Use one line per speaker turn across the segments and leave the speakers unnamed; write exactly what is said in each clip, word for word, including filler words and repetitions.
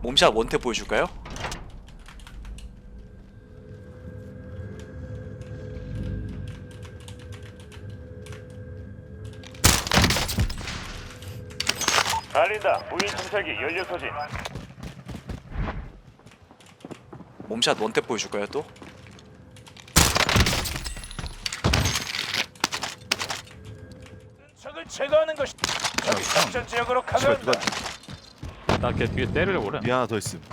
몸샷 원탭 보여줄까요?
알린다. 무인 정찰기 연료 소진.
몸샷 원탭 보여줄까요 또?
적을 제거하는 것이 적이 작전 지역으로
씨발
가져간다.
누가
나 걔 뒤에 때리려고 그래.
미 하나 더 있음.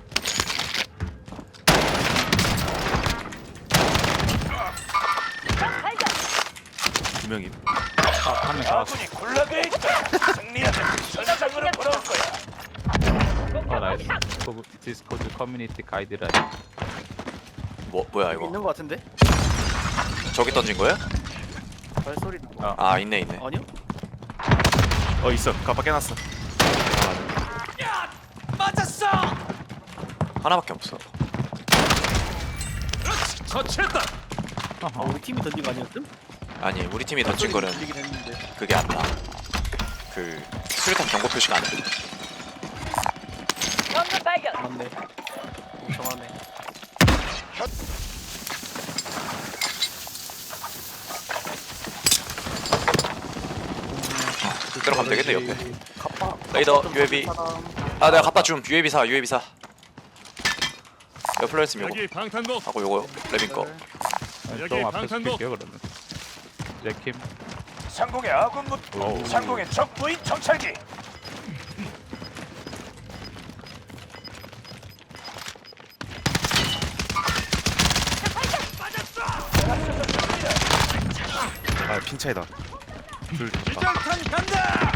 두 명임.
한명 잡았어.
아군이 굴러돼 있다. 승리하면 전장으로 돌아올 거야.
어 나이스. 디스코드 커뮤니티 가이드라인.
뭐 뭐야 이거?
있는 거 같은데?
저기 던진 거야?
발소리
아.
아 있네 있네.
아니요?
어 있어. 가빠 깨놨어.
하나밖에 없어.
처치했다.
아 우리 팀이 던진 거 아니었음?
아니 우리 팀이 던진 거는
들리긴 했는데.
그게 안 나. 그 수류탄 경고 표시가 안 돼.
맞네. 정하네.
들어가면 되겠네 옆에.
갑바.
레이더
좀
유에이비.
사람.
아 내가 갖다 줌 유에이비 사 유에이비 사. 여 플레이스 요거
여기 방탄복.
하고 요거 레빈 거.
여기
좀 앞에
방탄복.
스킬게요 그러면. 레킴.
상공의 아군 무.
어우.
상공의 적 무인 정찰기.
아 핑차이다. 둘. 아,
기절탄 간다.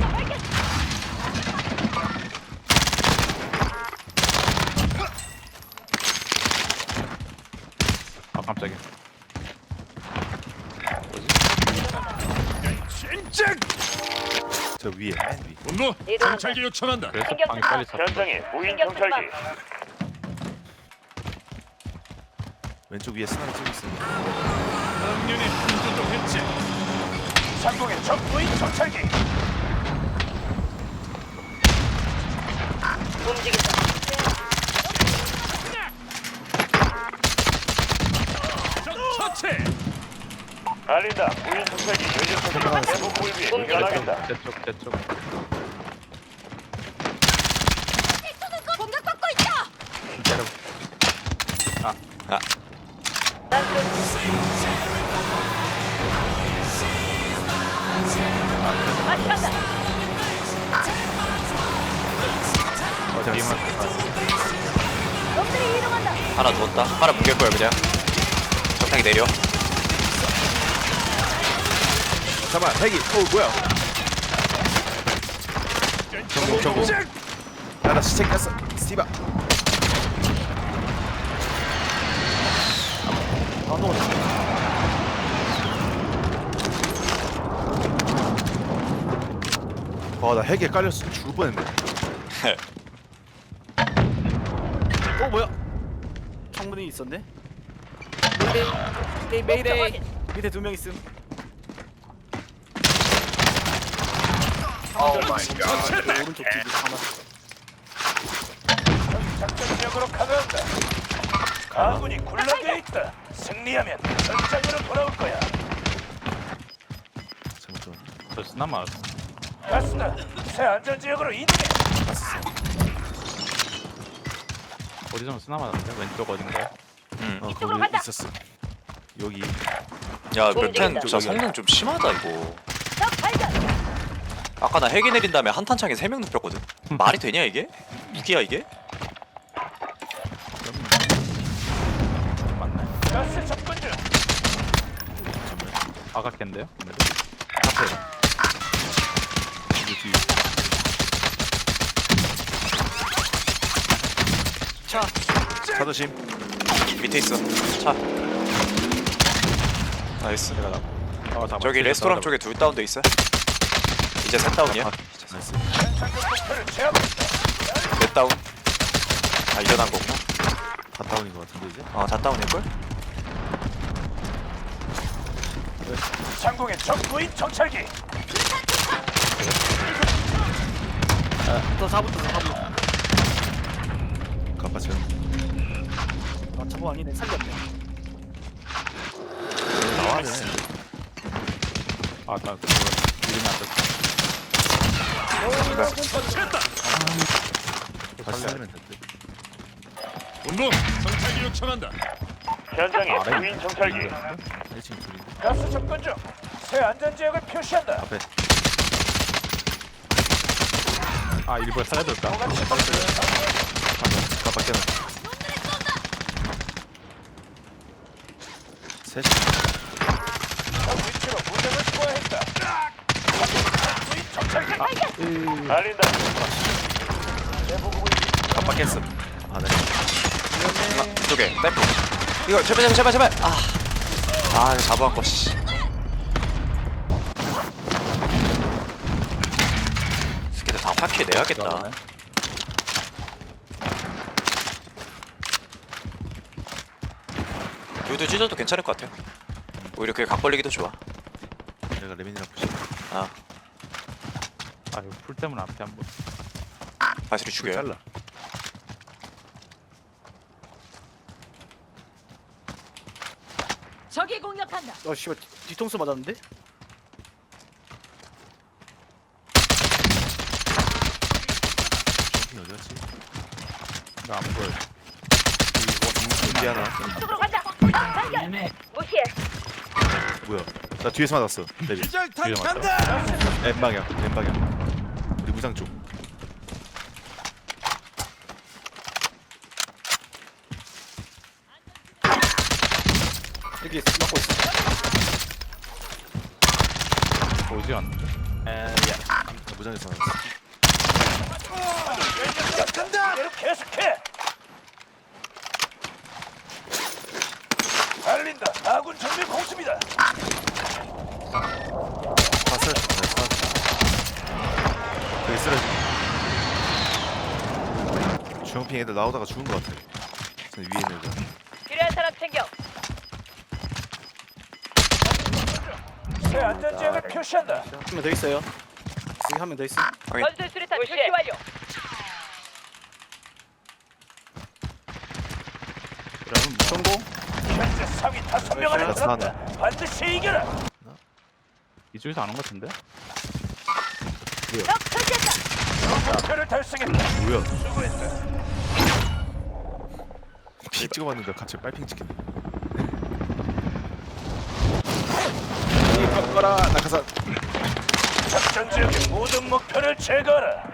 아 깜짝이야.
진짜.
저 위에 맨 위.
분노. 정찰기 요청한다.
그래서 방이 빨리 섰어.
현장에 무인 정찰기.
왼쪽 위에 스나를 쏘고 있어.
당연히 한조종했지. 상공의 적 무인 정찰기. 적 처치. 알린다. 무인 정찰기 연료 소진. 대북 불비. 운전하겠다.
제쪽 제쪽.
공격받고 있다.
때려.
아
어 뒤만.
놈들이 이동한다.
하나 누웠다. 하나 뭉갤 거야 그냥. 적당히 내려.
잠깐만 헬기. 어 뭐야? 정공 정공. 야나 시체 깼어. 스티바.
나도
와나 헬기에 깔렸어. 죽을 뻔했네.
어 뭐야? 창문이 있었네. 메이데이 메이데이 밑에 두 명 있음. 오 마이 갓. 오른쪽 뒤로 가만.
작전 지역으로 가져간다. 아군이 굴러돼 있다. 승리하면 전장으로 돌아올 거야.
잘못 들었네.
저 스나 맞았어.
가스다. 새 안전 지역으로 이동해.
어디 좀 스나 맞았는데 왼쪽 어딘가요?
음.
어
이쪽으로
거기
간다.
있었어. 여기.
야 맵텐 진짜
저기야.
성능 좀 심하다 이거.
적 발견.
아까 나 헬기 내린 다음에 한탄창에 세 명 눕혔거든. 말이 되냐 이게? 무기야 이게?
맞나요?
가스 접근 중.
아까 캔데요?
여기 뒤.
차.
차도심.
밑에 있어. 차. 나이스.
어, 잡아.
저기 레스토랑 쪽에 둘 다운돼 있어. 이제 셋 다운이야.
나이스.
현상금 목표를 제압했다.
넷 다운. 아 일어난 거구나.
다 다운인 것 같은데 이제.
어다 다운일걸?
상공의 적 무인 정찰기.
더 잡았다 더 잡았다.
맞죠?
아 저거 아니네. 살렸네.
나와네.
아나 그거 이름이 안 됐어.
처치했다.
다시 살리면 된대.
운동 정찰기 요청한다. 현장에
아래
무인 정찰기.
일 층 둘인데.
가스 접근 중. 새 안전 지역을 표시한다.
앞에.
아 일부러 살려둘까?
똑같이
방금 깜빡이는. 셋이.
위치로 무장을 투하했다. 무인 정찰기. 알린다.
깜빡했어. 아 네.
아, 이쪽에 댐프. 이거 제발 제발 제발 제발. 아, 아 이거 잡아한 거 씨. 스키들 다 파키에 내야겠다. 유도 찢어도 괜찮을 것 같아요. 오히려 그게 각 벌리기도 좋아.
내가 레민이랑 부시.
아,
아 이거 풀 때문에 앞에 한 번.
바스리 죽여요.
잘라.
적이 공격한다.
어 씨발 뒤통수 맞았는데?
이 어디 갔지?
나안 보여.
여기 하나.
쪽으로 간다. 아, 발견. 무시해.
뭐야? 나 뒤에서 맞았어. 레민.
뒤에 맞다.
N 방향. N 방향. 우리 무장 쪽.
여기 막고 있어.
보지 않는데.
나 무장에서 맞았어.
간다. 계속해. 알린다. 아군 정밀 공습이다.
봤어요? 네, 봤어. 여기 쓰러지. 주영핑 애들 나오다가 죽은 것 같아. 저 위에 있는 애들.
필요한 사람 챙겨.
새 안전 지역을 표시한다.
한 명 더 있어요. 여기 한 명 더 있어.
건설 수리탄 출시 완료.
여러분 성공.
현재 상위 다섯 명 안에
알았어,
들었다. 반드시 이겨라.
이쪽에서 안 온 것 같은데?
적 처치했다.
목표를 달성했다.
뭐야?
수고했다.
피 찍어봤는데 갑자기 빨핑 찍히네. 이 바꿔라 낙하산.
작전 지역의 모든 목표를 제거하라.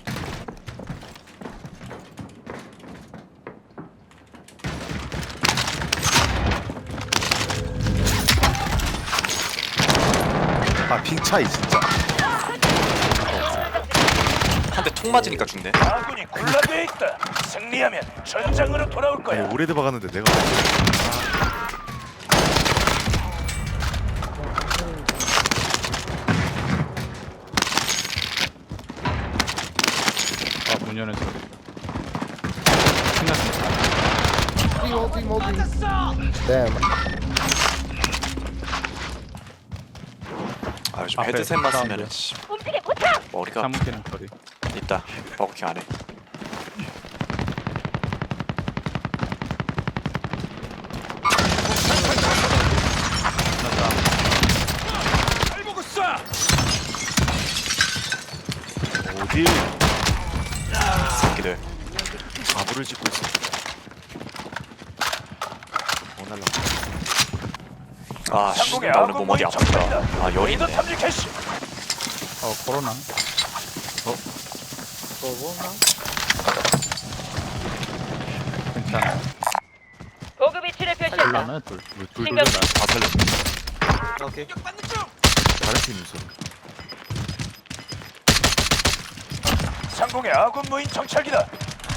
아 핑 차이 진짜.
한 대 통 맞으니까 죽네.
아군이 군락에 있다. 승리하면 전장으로 돌아올
아니
거야.
오래돼 박았는데 내가.
아문 여는 소리. 신났어.
아 요즘
앞에
헤드셋만
사운드.
쓰면은 씨,
움직임 포착.
머리가
사무키는 소리.
있다. 버거킹 안에.
잘 보고 쏴.
어디?
새끼들.
바보를 짓고 있어. 어 날라.
아, 씨,
상공의
나 오늘
아군
몸 어디
무인
아프다.
정찰이다.
아, 열이
레이더
있네.
탐지 캐시.
어 코로나. 괜찮아.
보급 위치를 표시한다.
둘러네 둘. 둘
신경
둘다.
다 살렸어.
오케이.
다른 팀 있어.
상공의 아군 무인 정찰기다.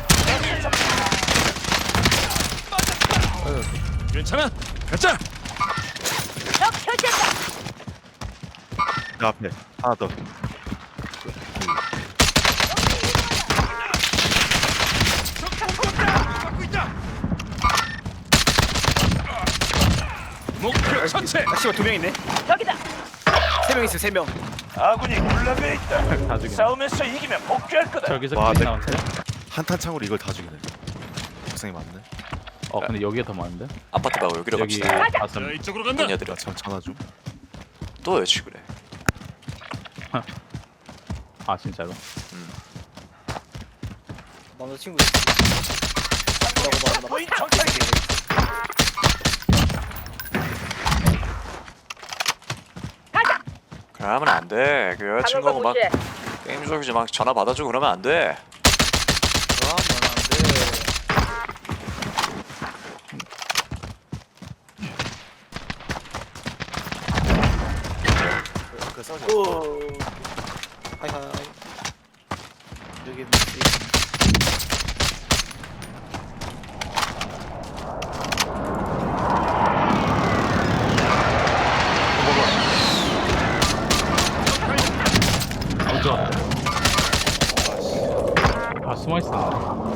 괜찮아. 가자.
적 처치했다.
내 앞에 하나 더.
목표 처치.
아 씨발 두 명 있네.
적이다.
세 명 있어 세 명.
아군이 군락에 있다.
다 죽이네.
싸움에서 이기면 복귀할 거다.
저기서
와,
킬
내-
나온대.
한탄창으로 이걸 다 죽이네. 구상이 많네.
어 근데 여기가 더 많은데?
아파트 가고 여기로
여기
갑시다.
다섯
자, 이쪽으로 간다.
뭐냐들아.
나 전 전화 좀.
또 여치 그래.
아 진짜로?
남자친구 있다고 말하나
무인 정찰기.
그러면 안 돼. 그 여자친구하고 막
방어구
게임 속이지 막 전화 받아주고 그러면 안 돼.
그러면 안돼.
그 싸우지.
오. 하이하이. 여기 뭐지?
어쩌? 아 숨어 있어.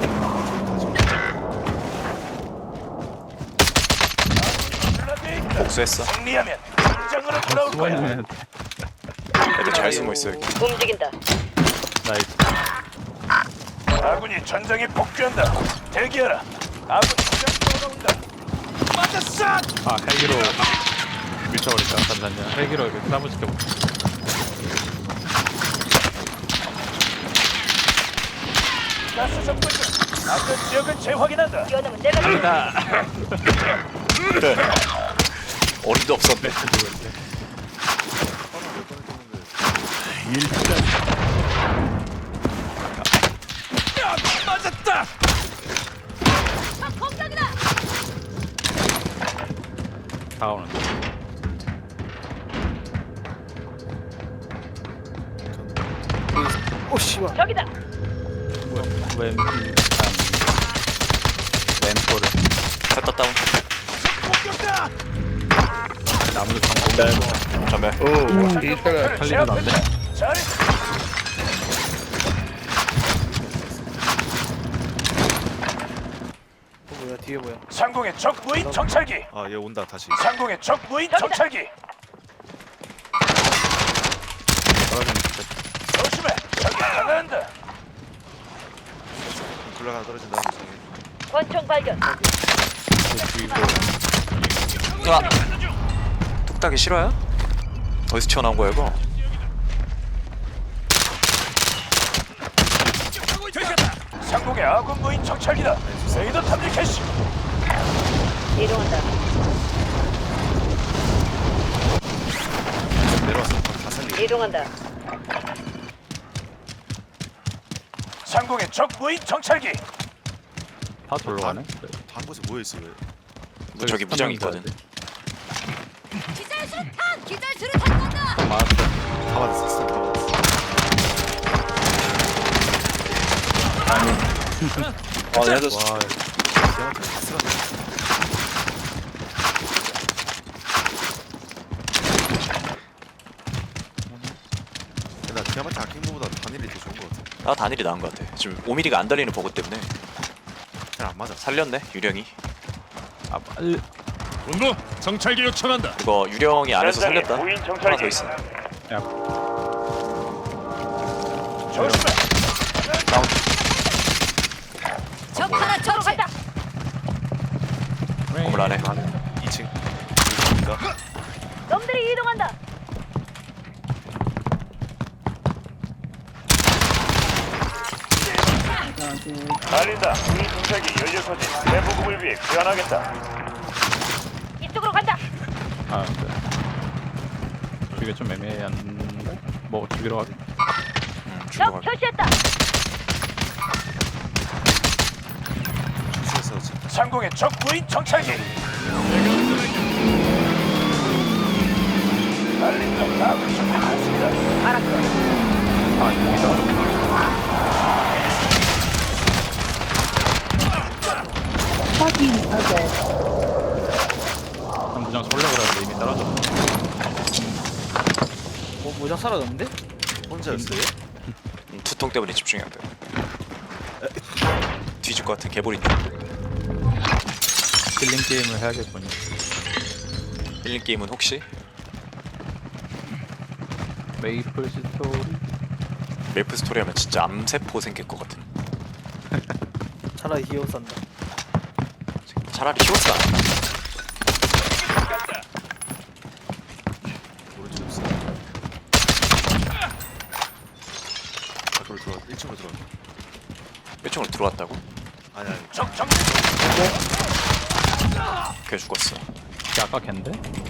군락에 있다.
복수했어.
승리하면 전장으로 돌아올
숨어
거야.
있는
애들 잘 숨어 있어 여기.
움직인다.
나이스.
아군이 전장에 복귀한다. 대기하라. 아군 전장 돌아온다. 맞았어.
아 헬기로 밀쳐버릴까? 잠시만요. 헬기로 이렇게 싸움 시켜볼게.
가스 접근 중. 아군 지역을 재확인한다.
뛰어넘으면 내가
갑니다.
그래. 어림도 없었네.
맞았다.
공격이다.
다가오는데.
오 씨발.
저기다.
왼 왼포를
됐다 다운.
공격다.
나무도 성공.
전멸.
살리지도 않네.
잘했어.
어, 뭐야 뒤에 뭐야?
상공의 적 무인 정찰기.
아, 얘 온다 다시.
상공의 적 무인 정찰기.
떨어지는 것
조심해. 적이 강화한다.
굴러가 떨어진다. 저기.
권총 발견.
그리고
아, 뚝딱이 싫어요? 어디서 튀어나온 거야 이거?
상공의 아군 무인 정찰기다. 레이더 탐지 캐시.
이동한다.
내려와서 다 살리.
이동한다.
상공의 적 무인 정찰기.
다 돌로 가네.
한 곳에 모여 있어 왜?
뭐 저기 무장 있거든.
기절 수류탄! 기절 수류탄 쏜다!
맞았어.
다 받았어. 스턴 다 받았어.
아, 내가 졌어.
와. 얘한테 다 쓸었네. 나 디아마트 아낀 거보다 단일이 더 좋은 거 같아.
나 단일이 나은 것 같아. 지금 오 밀리미터가 안 달리는 버그 때문에
잘 안 맞아.
살렸네 유령이.
아 빨리.
본부 정찰기 요청한다.
이거 유령이 안에서 살렸다.
무인
하나
정찰기.
더 있어.
야
조심해.
다운.
적 하나 처치한다!
건물 안에.
이 층. 이층인가?
놈들이 이동한다!
달린다. 무인 정찰기 연료 소진. 대보급을 위해 귀환하겠다.
이쪽으로 간다!
아 네. 이게 좀 애매한데. 뭐 죽이러 가게.
음,
적
죽여가.
표시했다!
주시에서 지금
상공의 적 무인 정찰기. 달린다. 아군 적 많습니다.
알았어.
아 여기다. 무장 쏠려 그랬는데 이미 떨어졌어.
뭐 모자 사라졌는데?
혼자였어요?
음, 두통 때문에 집중이 안 돼. 뒤질 것 같은 개보리님.
킬링 게임을 해야겠군요.
힐링 게임은 혹시
메이플 스토리.
메이플 스토리 하면 진짜 암세포 생길 것 같은.
차라리 히어 산다.
차라리 키워스 안 한다.
오른쪽 없어. 밖으로 들어와. 일 층으로 들어와.
일 층으로 들어왔다고?
아니 아니.
적 정.
걔 죽었어.
걔 아까 걘데?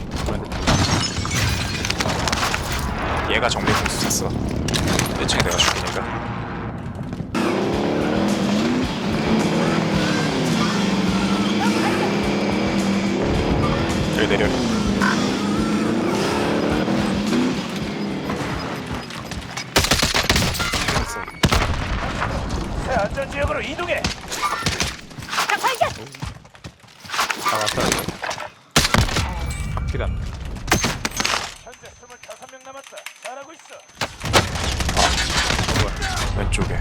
얘가 정밀 공수 쐈어. 일 층에 내가 죽이니까. 여기 내려.
새 안전 지역으로 이동해.
적 발견.
아 왔어요. 확실히 안 돼.
현재 스물다섯 명 남았다. 잘하고 있어.
왼쪽에.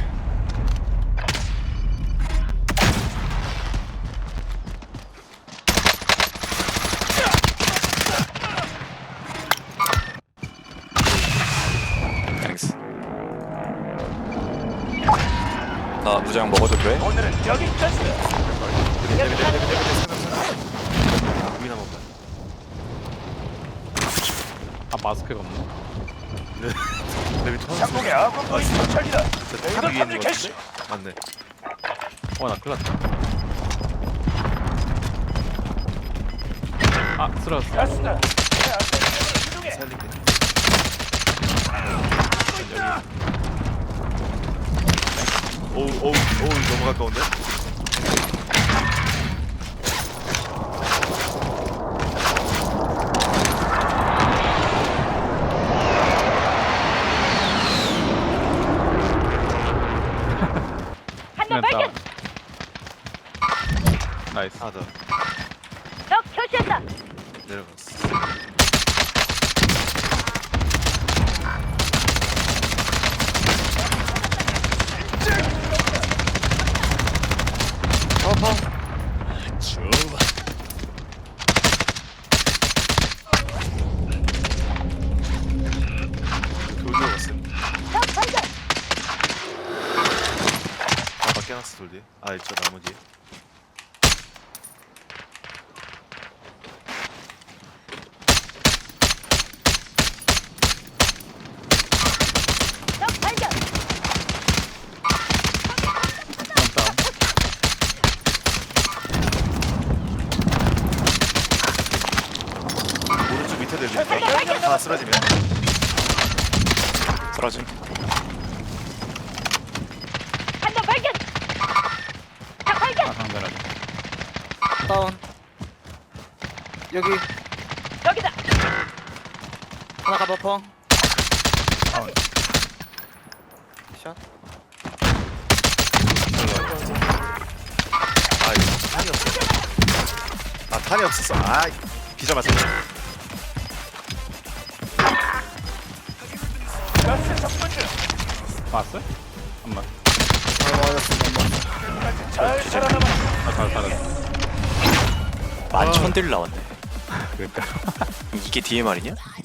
땡스. 나 무장 먹어도 돼?
오늘은 여기까지다.
위나 먹자.
아 마스크가 없네.
내 밑에 화면
상공의 아군 거의 도착이다.
탑
레이더
위에 있는
탐지
거
캐시.
같은데? 맞네.
어나 큰일났다. 아 쓰러졌어.
가스다. 새 안전 지역으로 이동해.
살릴게. 오우 오우 오우 너무 가까운데?
한 명 발견.
나이스.
하나 더
적 표시한다.
내려갔어. 돌 들어갔어.
적 발견.
아 밖에 놨어 돌 뒤에. 아 있죠 나무 뒤에.
적 발견.
다운.
오른쪽 밑에 내리니까 하나 쓰러지면.
쓰러짐.
한 명 발견. 적 발견.
아 상대라니.
다운. 여기
여기다.
하나 가버펑.
다운.
샷.
아 이거 탄이 없어. 아 탄이 없었어. 아 기자 맞았네.
가스 접근 중.
봤어? 한번.
아 맞았어.
잘 살아남아.
아잘 살았어.
만천 딜 나왔네.
그러니까.
이게 디엠알이냐?